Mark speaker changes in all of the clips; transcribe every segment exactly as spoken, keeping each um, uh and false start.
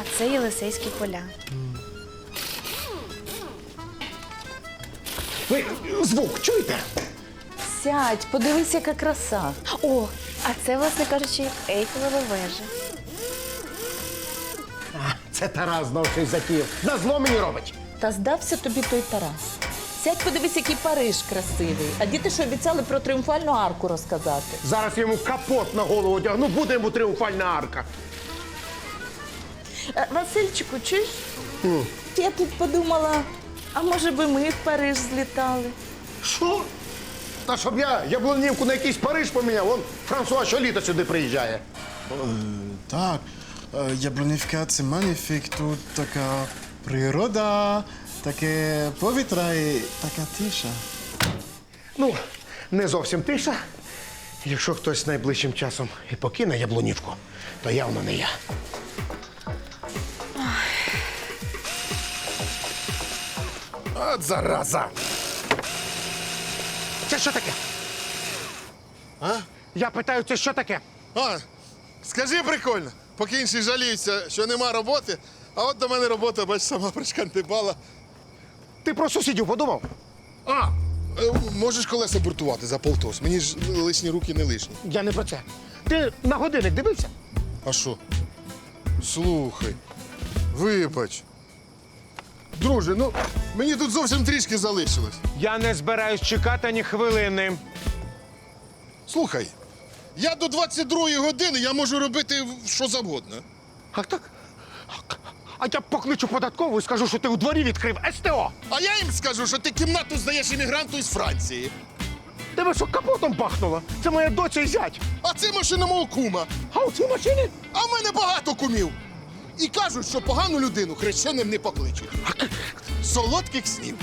Speaker 1: А це Єлисейські поля.
Speaker 2: Ви звук чуєте?
Speaker 3: Сядь, подивись, яка краса.
Speaker 1: О, а це, власне кажучи, Ейфелева вежа.
Speaker 2: А, це Тарас знов щось затіяв. На зло мені робить.
Speaker 3: Та здався тобі той Тарас. Сядь, подивись, який Париж красивий. А діти ж обіцяли про тріумфальну арку розказати.
Speaker 2: Зараз йому капот на голову одягну, буде йому тріумфальна арка.
Speaker 3: Е, Васильчику, чуєш? Mm. Я тут подумала, а може би ми в Париж злітали?
Speaker 2: Що? Та щоб я яблунівку на якийсь Париж поміняв, вон Франсуа щоліта сюди приїжджає.
Speaker 4: Так, е, Яблунівка – це маніфік, тут така природа, таке повітря і така тиша.
Speaker 2: Ну, не зовсім тиша. Якщо хтось найближчим часом і покине яблунівку, то явно не я. От зараза! Це що таке?
Speaker 5: А?
Speaker 2: Я питаю, це що таке?
Speaker 5: А, скажи прикольно, поки інші жаліються, що нема роботи, а от до мене робота, бач, сама пришкантибала.
Speaker 2: Ти про сусідів подумав?
Speaker 5: А, е, можеш колеса буртувати за полтос, мені ж лишні руки не лишні.
Speaker 2: Я не про це. Ти на годинник дивився?
Speaker 5: А що? Слухай, вибач. Друже, ну, мені тут зовсім трішки залишилось.
Speaker 2: Я не збираюсь чекати ні хвилини.
Speaker 5: Слухай, я до двадцять другої години я можу робити що завгодно.
Speaker 2: А так? А я покличу податкову і скажу, що ти у дворі відкрив СТО.
Speaker 5: А я їм скажу, що ти кімнату здаєш іммігранту із Франції.
Speaker 2: Тебе що, капотом пахнуло? Це моя доця і зять.
Speaker 5: А це машина мого кума.
Speaker 2: А у цій машині?
Speaker 5: А в мене багато кумів. І кажуть, що погану людину хрещеним не покличуть. Солодких снів.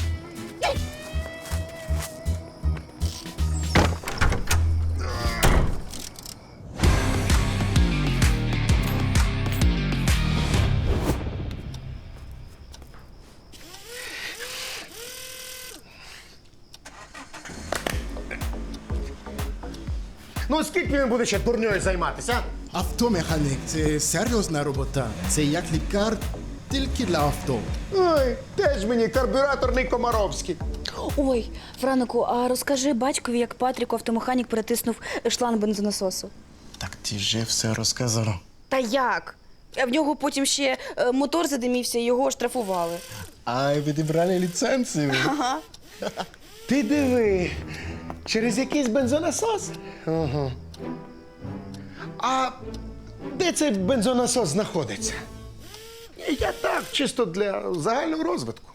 Speaker 2: Ну, скільки він буде ще дурньою займатися?
Speaker 4: Автомеханік – це серйозна робота. Це як лікар, тільки для авто.
Speaker 2: Ой, теж мені карбюраторний Комаровський.
Speaker 1: Ой, Франику, а розкажи батькові, як Патріку автомеханік перетиснув шланг бензонасосу.
Speaker 4: Так ти же все розказала.
Speaker 1: Та як? А в нього потім ще е, мотор задимівся і його штрафували.
Speaker 4: А відібрали ліцензію.
Speaker 1: Ага.
Speaker 2: Ти диви, через якийсь бензонасос? Ага. А де цей бензонасос знаходиться? Я так, чисто для загального розвитку.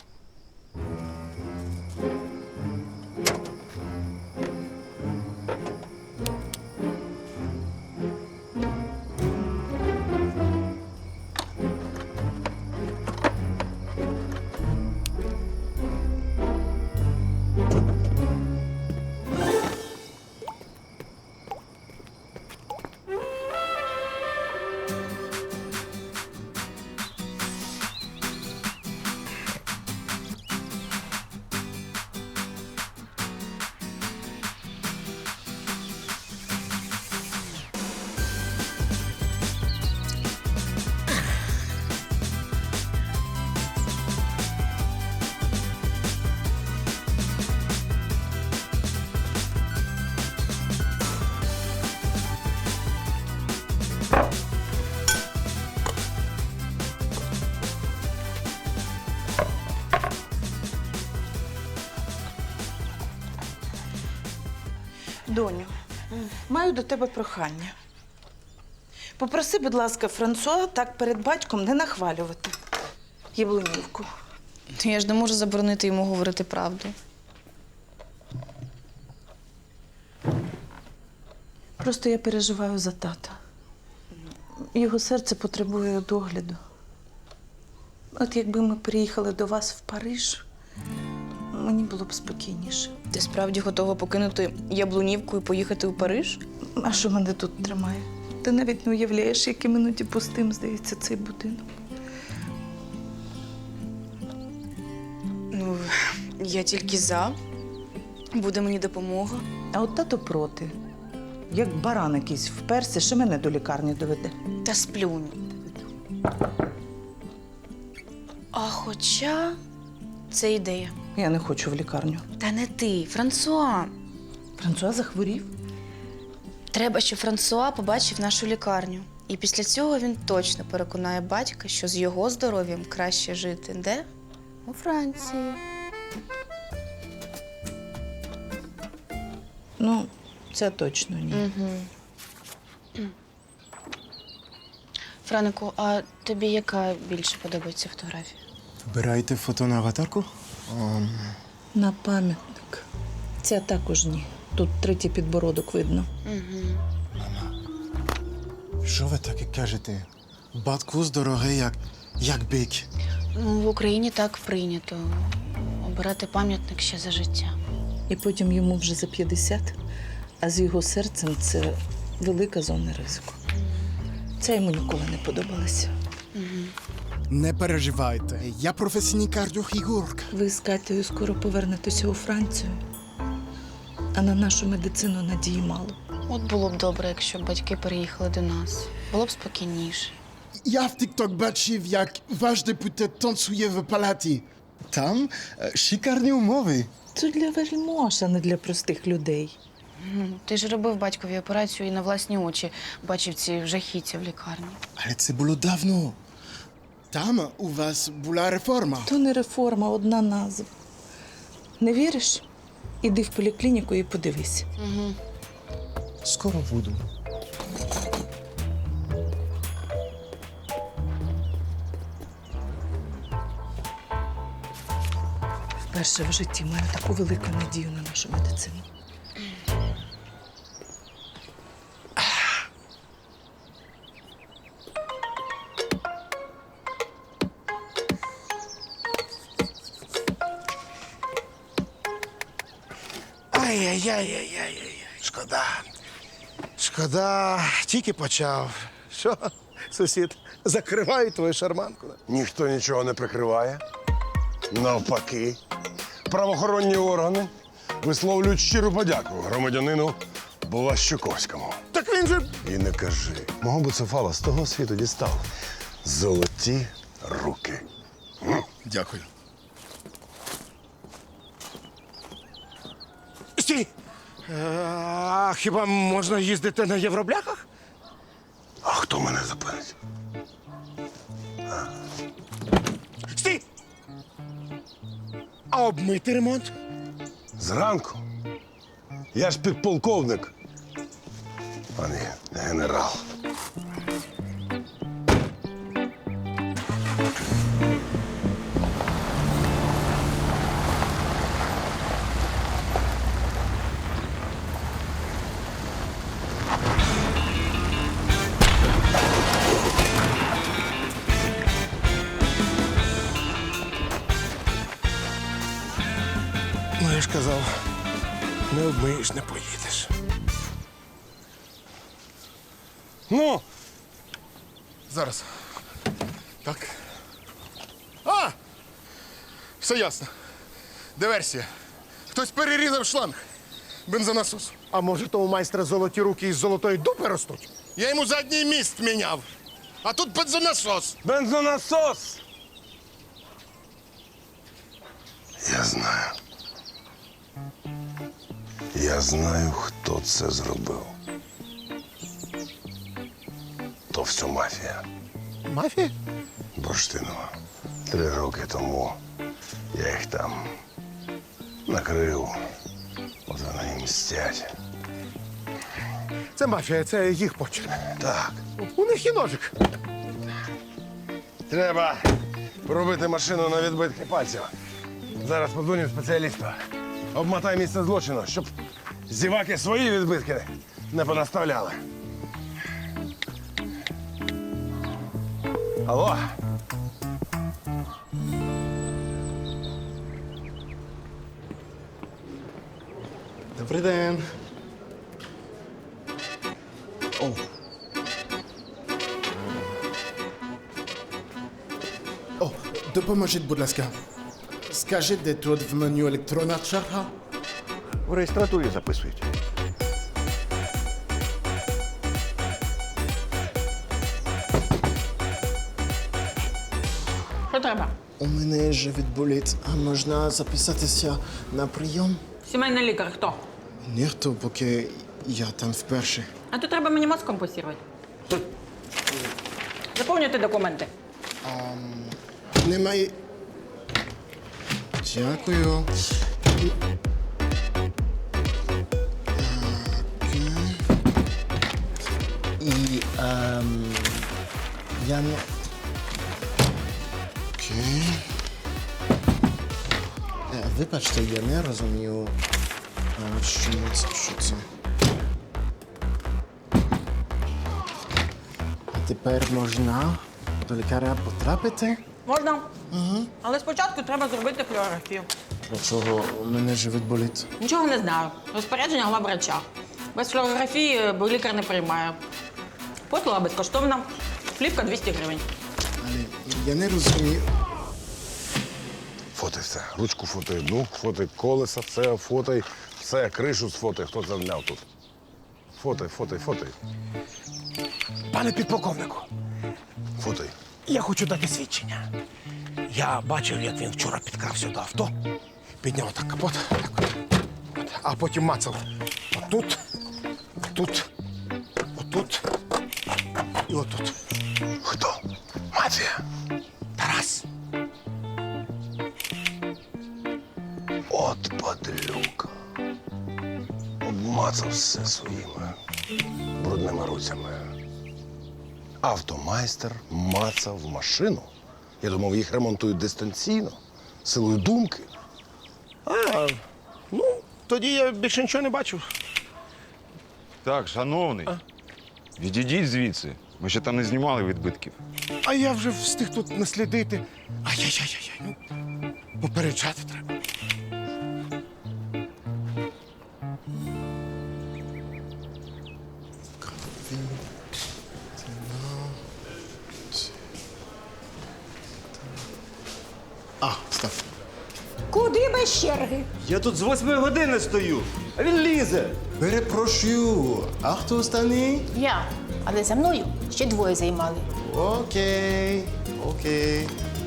Speaker 3: Доню, маю до тебе прохання. Попроси, будь ласка, Франсуа так перед батьком не нахвалювати Яблунівку.
Speaker 1: Я ж не можу заборонити йому говорити правду.
Speaker 3: Просто я переживаю за тата. Його серце потребує догляду. От якби ми приїхали до вас в Париж, мені було б спокійніше.
Speaker 1: Ти справді готова покинути Яблунівку і поїхати у Париж?
Speaker 3: А що мене тут тримає? Ти навіть не уявляєш, яким іноді пустим здається цей будинок.
Speaker 1: Ну, я тільки за. Буде мені допомога.
Speaker 3: А от тато проти. Як баран якийсь вперся, що мене до лікарні доведе.
Speaker 1: Та сплюнь. А хоча це ідея.
Speaker 3: Я не хочу в лікарню.
Speaker 1: Та не ти, Франсуа.
Speaker 3: Франсуа захворів.
Speaker 1: Треба, щоб Франсуа побачив нашу лікарню. І після цього він точно переконає батька, що з його здоров'ям краще жити. Де? У Франції.
Speaker 3: Ну, це точно ні.
Speaker 1: Франику, а тобі яка більше подобається фотографія?
Speaker 4: Вибираєте фото на аватарку? Ем,
Speaker 3: На пам'ятник. Ця також ні. Тут третій підбородок видно.
Speaker 4: Що ви таке кажете? Батько здоровий, як, як бик.
Speaker 1: Ну, в Україні так прийнято. Обирати пам'ятник ще за життя.
Speaker 3: І потім йому вже за п'ятдесят, а з його серцем це велика зона ризику. Це йому ніколи не подобалося.
Speaker 4: Не переживайте, я професійний кардіохірург.
Speaker 3: Ви з Катею скоро повернетеся у Францію, а на нашу медицину надії мало.
Speaker 1: От було б добре, якщо б батьки переїхали до нас. Було б спокійніше.
Speaker 4: Я в TikTok бачив, як ваш депутат танцює в палаті. Там е, шикарні умови.
Speaker 3: Це для вельмож, а не для простих людей.
Speaker 1: М, Ти ж робив батькові операцію і на власні очі бачив ці жахіття в лікарні.
Speaker 4: Але це було давно. Там у вас була реформа.
Speaker 3: То не реформа, одна назва. Не віриш? Іди в поліклініку і подивись.
Speaker 4: Скоро буду.
Speaker 3: Вперше в житті маю таку велику надію на нашу медицину.
Speaker 2: Ай-яй-яй-яй-яй-яй. Шкода. Шкода, тільки почав. Що, сусід, закриваю твою шарманку?
Speaker 6: Ніхто нічого не прикриває. Навпаки, правоохоронні органи висловлюють щиру подяку громадянину Блащуковському.
Speaker 2: Так він же.
Speaker 6: І не кажи, мого буцефала з того світу дістав золоті руки.
Speaker 5: Дякую.
Speaker 2: Стій! Е, А хіба можна їздити на євробляхах?
Speaker 6: А хто мене зупинить?
Speaker 2: Стій! А обмити ремонт?
Speaker 6: Зранку? Я ж підполковник, а не генерал.
Speaker 2: Ну, я ж казав, не обмиєш, не поїдеш.
Speaker 6: Ну,
Speaker 5: Зараз. Так. А! Все ясно. Диверсія. Хтось перерізав шланг бензонасосу.
Speaker 2: А може, то у майстра золоті руки із золотої дупи ростуть?
Speaker 5: Я йому задній міст міняв. А тут бензонасос.
Speaker 6: бензонасос! Я знаю. Я знаю, хто це зробив. То все мафія.
Speaker 2: Мафія?
Speaker 6: Бурштинова. Три роки тому я їх там накрив. От вони і мстять.
Speaker 2: Це мафія, це їх почерк.
Speaker 6: Так.
Speaker 2: У них є ножик.
Speaker 6: Треба пробити машину на відбитки пальців. Зараз подзвоню спеціалісту. Обмотай місце злочину, щоб зіваки свої відбитки не понаставляли. Алло?
Speaker 4: Добрий день. О. О, допоможіть, будь ласка. Скажіть, де тут в меню електронна черга?
Speaker 6: В реєстратурі записують.
Speaker 3: Що треба?
Speaker 4: у мене живіт болить, а можна записатися на прийом?
Speaker 7: Сімейний лікар хто?
Speaker 4: Ніхто, поки я там вперше.
Speaker 7: А то треба мені мозком посірувати. Заповнюйте документи.
Speaker 4: Немає. Дякую. І- Окей. І ем, я не. Окей. Е, Вибачте, я не розумію, а, що це, що це. А тепер можна до лікаря потрапити?
Speaker 7: Можна? Угу. Але спочатку треба зробити флюорографію.
Speaker 4: Для чого у мене живіт болить?
Speaker 7: Нічого не знаю. Розпорядження главврача. Без флюорографії бо лікар не приймає. Послуга безкоштовна. Плівка двісті гривень.
Speaker 4: Але я не розумію.
Speaker 6: Фотай все. Ручку фотай одну, фотай колеса, все, фотай, все, кришу сфотай, хто замляв тут. Фотай, фотай, фотай.
Speaker 2: Пане підполковнику,
Speaker 6: Фотай.
Speaker 2: я хочу дати свідчення. Я бачив, як він вчора підкрався до авто, підняв так капот, так, от, а потім мацав отут, отут, отут і отут.
Speaker 6: Хто? Мафія.
Speaker 2: Тарас.
Speaker 6: От падлюка. Обмацав все своїми брудними руцями. Автомайстер мацав машину. Я думав, їх ремонтують дистанційно, силою думки.
Speaker 2: А, ну, тоді я більше нічого не бачив.
Speaker 8: Так, шановний, відійдіть звідси. Ми ще там не знімали відбитків.
Speaker 2: А я вже встиг тут наслідити. Ай-яй-яй-яй, ну, попереджати треба.
Speaker 4: А, стоп.
Speaker 9: Куди без черги?
Speaker 10: Я тут з восьмої години стою, а він лізе.
Speaker 4: Перепрошую. А хто останній?
Speaker 9: Я. Але за мною ще двоє займали.
Speaker 4: Окей, окей.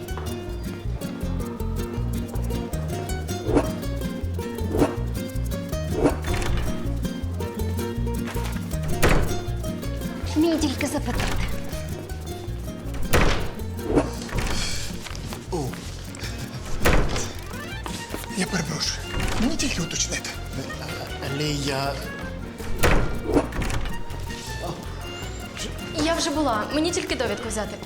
Speaker 9: Мій тільки запитати.
Speaker 2: Я перепрошую. Мені тільки уточнити.
Speaker 4: Але я.
Speaker 11: Я вже була. Мені тільки довідку взяти.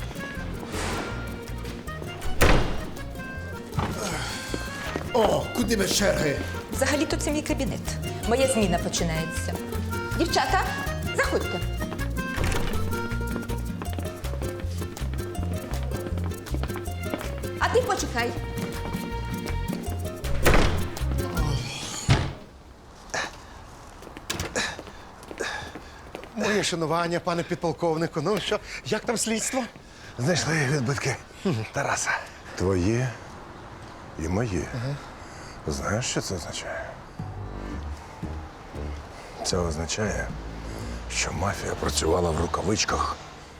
Speaker 2: О, куди без черги?
Speaker 9: Взагалі-то це мій кабінет. Моя зміна починається. Дівчата, заходьте. А ти почекай.
Speaker 2: Моє шанування, пане підполковнику. Ну що, як там слідство?
Speaker 6: Знайшли відбитки Тараса. Твоє і моє. Знаєш, що це означає? Це означає, що мафія працювала в рукавичках.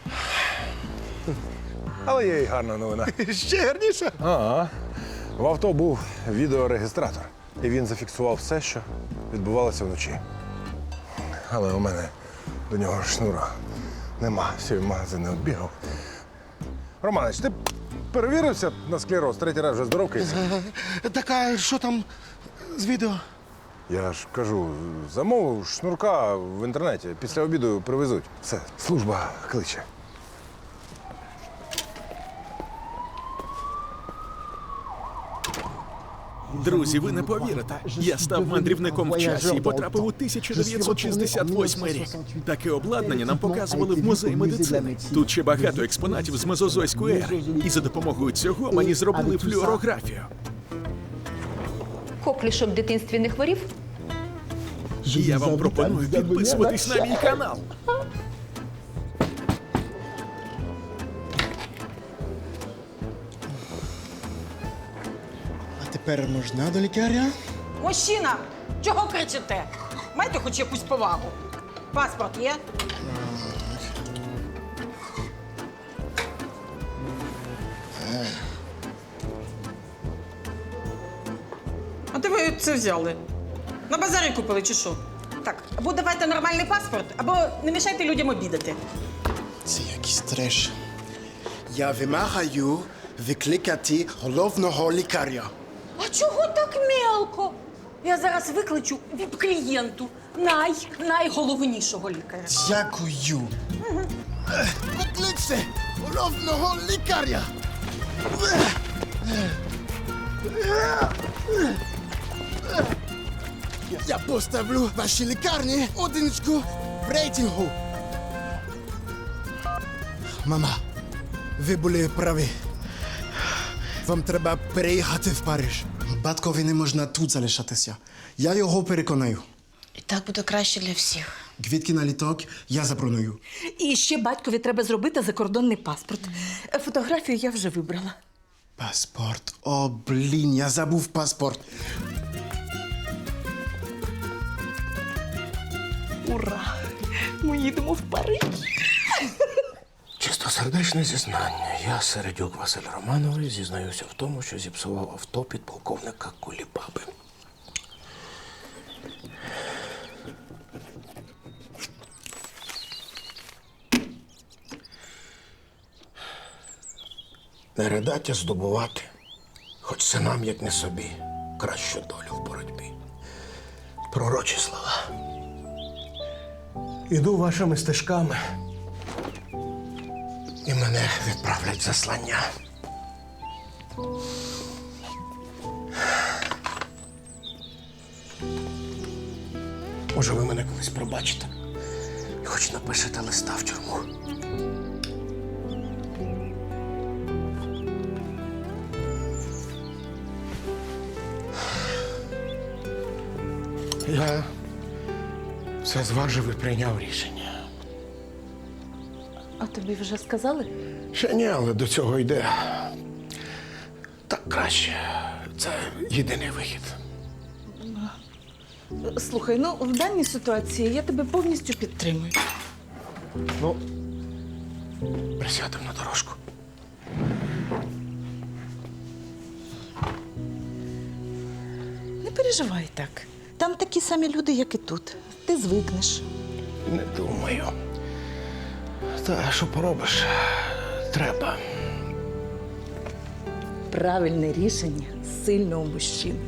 Speaker 6: Але є й гарна новина.
Speaker 2: Ще гарніше.
Speaker 6: Ага. В авто був відеорегістратор. І він зафіксував все, що відбувалося вночі. Але у мене до нього шнура нема. Всі магазини оббігав. Романич, ти перевірився на склероз? Третій раз вже здоровкається.
Speaker 2: Так, а що там з відео?
Speaker 6: Я ж кажу, замовив шнурка в інтернеті. Після обіду привезуть. Все, служба кличе.
Speaker 12: Друзі, ви не повірите. Я став мандрівником в часі і потрапив у тисяча дев'ятсот шістдесят восьмий рік. Таке обладнання нам показували в музеї медицини. Тут ще багато експонатів з мезозойської ери. І за допомогою цього мені зробили флюорографію.
Speaker 9: Коклішок в дитинстві не хворів?
Speaker 12: Я вам пропоную підписуватись на мій канал.
Speaker 4: А тепер можна до лікаря?
Speaker 7: Мужчина, чого кричите? Майте хоч якусь повагу. Паспорт є? А де ви це взяли? На базарі купили чи що? Так, або давайте нормальний паспорт, або не мішайте людям обідати.
Speaker 4: Це якийсь треш. Я вимагаю викликати головного лікаря.
Speaker 7: А чого так мелко? Я зараз викличу віп-клієнту най, найголовнішого лікаря.
Speaker 4: Дякую. Викличте головного лікаря. Я поставлю вашій лікарні одиничку в рейтингу. Мама, ви були праві. Вам треба переїхати в Париж. Батькові не можна тут залишатися. Я його переконаю.
Speaker 1: І так буде краще для всіх.
Speaker 4: Квітки на літок я заброную.
Speaker 3: І ще батькові треба зробити закордонний паспорт. Фотографію я вже вибрала.
Speaker 4: Паспорт. О, блін, я забув паспорт.
Speaker 3: Ура! Ми їдемо в Париж.
Speaker 2: Чистосердечне зізнання. Я, Середюк Василь Романович, зізнаюся в тому, що зіпсував авто підполковника Кулібаби. Не ридаття здобувати, хоч синам, як не собі, кращу долю в боротьбі. Пророчі слова. Іду вашими стежками, і мене відправлять в заслання. Може, ви мене колись пробачите і хоч напишете листа в тюрму. Я все зважив і прийняв рішення.
Speaker 3: А тобі вже сказали?
Speaker 2: Ще ні, але до цього йде. Так краще. Це єдиний вихід.
Speaker 3: Слухай, ну в даній ситуації я тебе повністю підтримую.
Speaker 2: Ну, присядемо на дорожку.
Speaker 3: Не переживай так. Там такі самі люди, як і тут. Ти звикнеш.
Speaker 2: Не думаю. Та що поробиш? Треба.
Speaker 3: Правильне рішення сильного мужчини.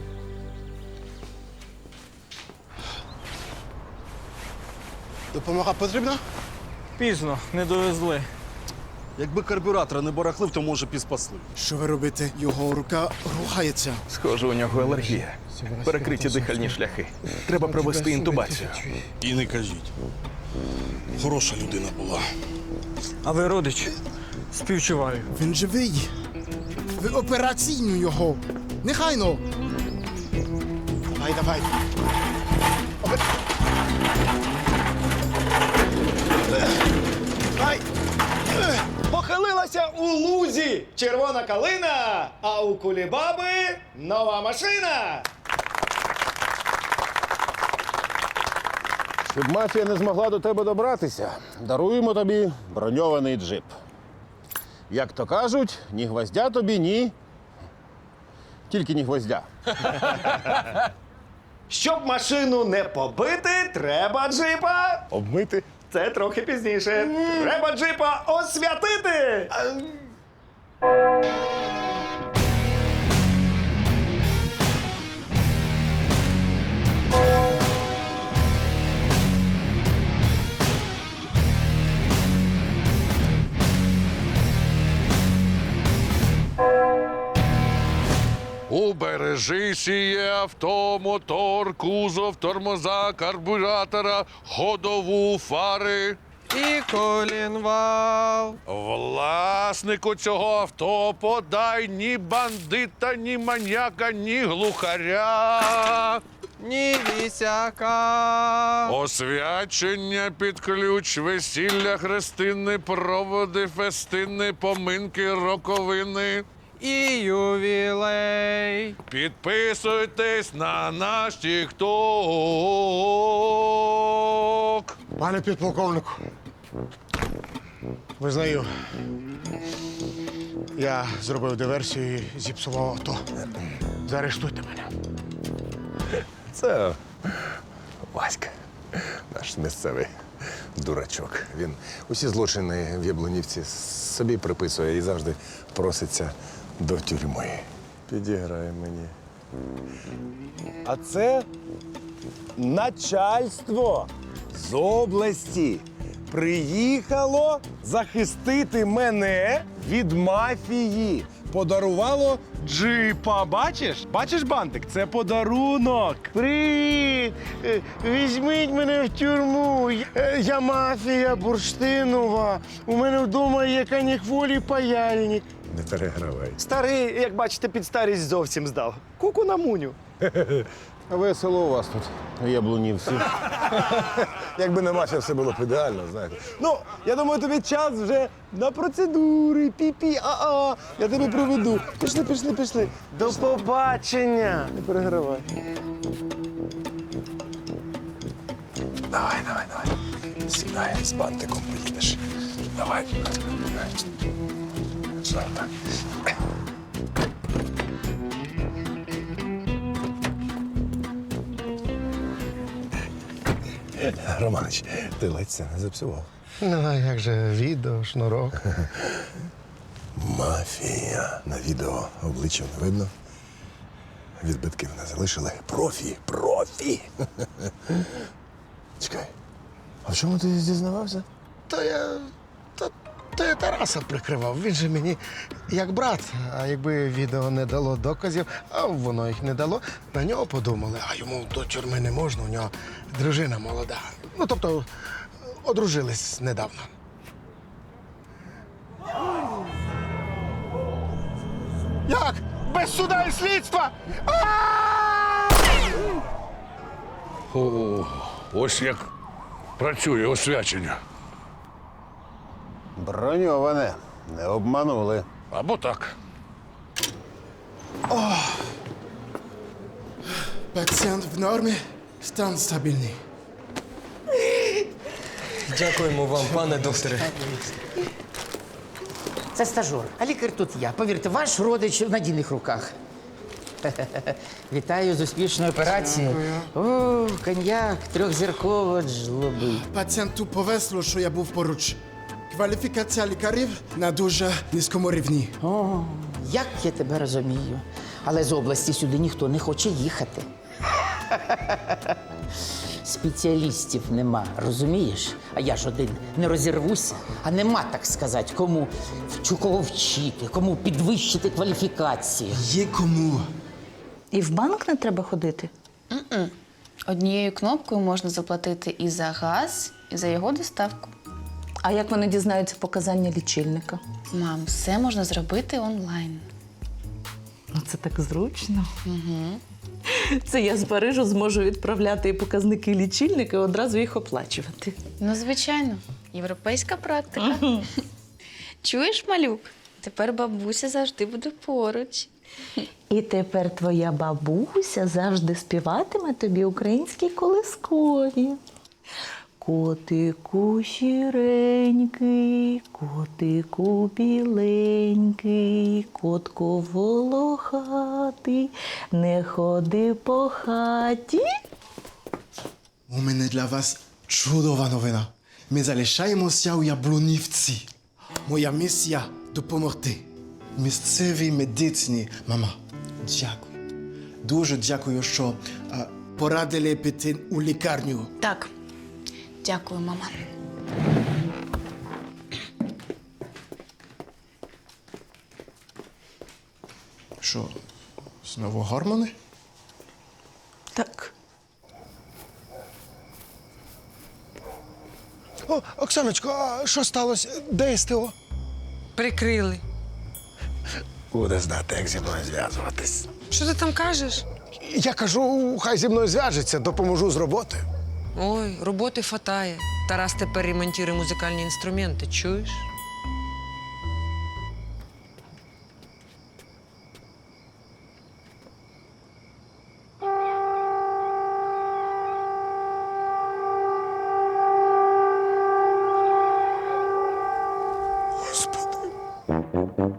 Speaker 4: Допомога потрібна?
Speaker 10: Пізно, не довезли. Якби карбюратора не барахлив, то може підспасли.
Speaker 4: Що ви робите? Його рука рухається.
Speaker 12: Схоже, у нього алергія. Перекриті дихальні шляхи. Треба провести інтубацію.
Speaker 10: І не кажіть. Хороша людина була.
Speaker 13: А ви родич? Співчуваю.
Speaker 4: Він живий. Ви операційну його. Нехайно. Давай, давай. Опе- Давай.
Speaker 10: Похилилася у лузі червона калина, а у Кулібаби нова машина.
Speaker 6: Щоб мафія не змогла до тебе добратися, даруємо тобі броньований джип. Як то кажуть, ні гвоздя тобі, ні. Тільки ні гвоздя.
Speaker 10: Щоб машину не побити, треба джипа.
Speaker 6: Обмити.
Speaker 10: Це трохи пізніше. Треба джипа освятити.
Speaker 14: Убережи сіє авто, мотор, кузов, тормоза, карбюратора, ходову, фари.
Speaker 13: І колінвал.
Speaker 14: Власнику цього авто подай ні бандита, ні маньяка, ні глухаря.
Speaker 13: Ні вісяка.
Speaker 14: Освячення під ключ, весілля, хрестини, проводи, фестини, поминки, роковини.
Speaker 13: І ювілей.
Speaker 14: Підписуйтесь на наш тікток.
Speaker 2: Пане підполковнику, визнаю, я зробив диверсію і зіпсував авто. Заарештуйте мене.
Speaker 6: Це Васька, наш місцевий дурачок. Він усі злочини в Яблунівці собі приписує і завжди проситься до тюрми. Підіграє мені.
Speaker 10: А це начальство з області приїхало захистити мене від мафії. Подарувало джипа. Бачиш? Бачиш, бантик? Це подарунок.
Speaker 2: Привіт! Е, Візьміть мене в тюрму. Е, Я мафія бурштинова. У мене вдома є канікволі паяльник.
Speaker 6: Не перегравай.
Speaker 10: Старий, як бачите, під старість зовсім здав. Куку на муню.
Speaker 6: Весело у вас тут, у Яблунівці. Якби не мафія, все було б ідеально, знаєте.
Speaker 10: Ну, я думаю, тобі час вже на процедури, пі-пі, а-а. Я тебе проведу. Пішли, пішли, пішли.
Speaker 2: До побачення!
Speaker 10: Не перегравай.
Speaker 6: Давай, давай, давай. Сідай, з бантиком поїдеш. Давай. Що так? Романич, ти ледь це не зіпсував.
Speaker 2: Ну, а як же відео, шнурок?
Speaker 6: Мафія. На відео обличчя не видно. Відбитків не залишили. Профі, профі. Чекай. А в чому ти дізнавався?
Speaker 2: То я. То, то я Тараса прикривав. Він же мені як брат. А якби відео не дало доказів, а воно їх не дало, на нього подумали, а йому до тюрми не можна, у нього дружина молода. Ну, тобто, одружились недавно. Як? Без суда і слідства?
Speaker 14: О, ось як працює освячення.
Speaker 6: Броньоване. Не обманули.
Speaker 14: Або так.
Speaker 4: Пацієнт в нормі, стан стабільний.
Speaker 13: Дякуємо вам, пане докторе.
Speaker 15: Це стажор, а лікар тут я. Повірте, ваш родич в надійних руках. Вітаю з успішною операцією. О, коньяк, трьохзірково жлоби.
Speaker 4: Пацієнту повезло, що я був поруч. Кваліфікація лікарів на дуже низькому рівні.
Speaker 15: О, як я тебе розумію. Але з області сюди ніхто не хоче їхати. Спеціалістів нема, розумієш? А я ж один не розірвуся, а нема, так сказати, кому вчу кого вчити, кому підвищити кваліфікацію.
Speaker 4: Є кому.
Speaker 3: І в банк не треба ходити?
Speaker 1: М-м. Однією кнопкою можна заплатити і за газ, і за його доставку.
Speaker 3: А як вони дізнаються показання лічильника?
Speaker 1: Мам, все можна зробити онлайн.
Speaker 3: Ну, це так зручно.
Speaker 1: Угу.
Speaker 3: Це я з Парижу зможу відправляти і показники лічильника і одразу їх оплачувати.
Speaker 1: Ну, звичайно, європейська практика. Чуєш, малюк? Тепер бабуся завжди буде поруч.
Speaker 3: І тепер твоя бабуся завжди співатиме тобі українські колискові. Котику сіренький, котику біленький, котко волохатий, не ходи по хаті.
Speaker 4: У мене для вас чудова новина. Ми залишаємося у Яблунівці. Моя місія – допомогти. Місцевій медицині. Мама, дякую. Дуже дякую, що а, порадили піти у лікарню.
Speaker 1: Так, дякую, мама.
Speaker 4: Що, знову гормони?
Speaker 3: Так.
Speaker 2: О, Оксаночко, а що сталося? Де СТО?
Speaker 16: Прикрили.
Speaker 2: Буде знати, як зі мною зв'язуватись.
Speaker 16: Що ти там кажеш?
Speaker 2: Я кажу, хай зі мною зв'яжеться, допоможу з роботи.
Speaker 16: Ой, роботи фатає. Тарас тепер ремонтує музикальні інструменти, чуєш?
Speaker 2: Господи.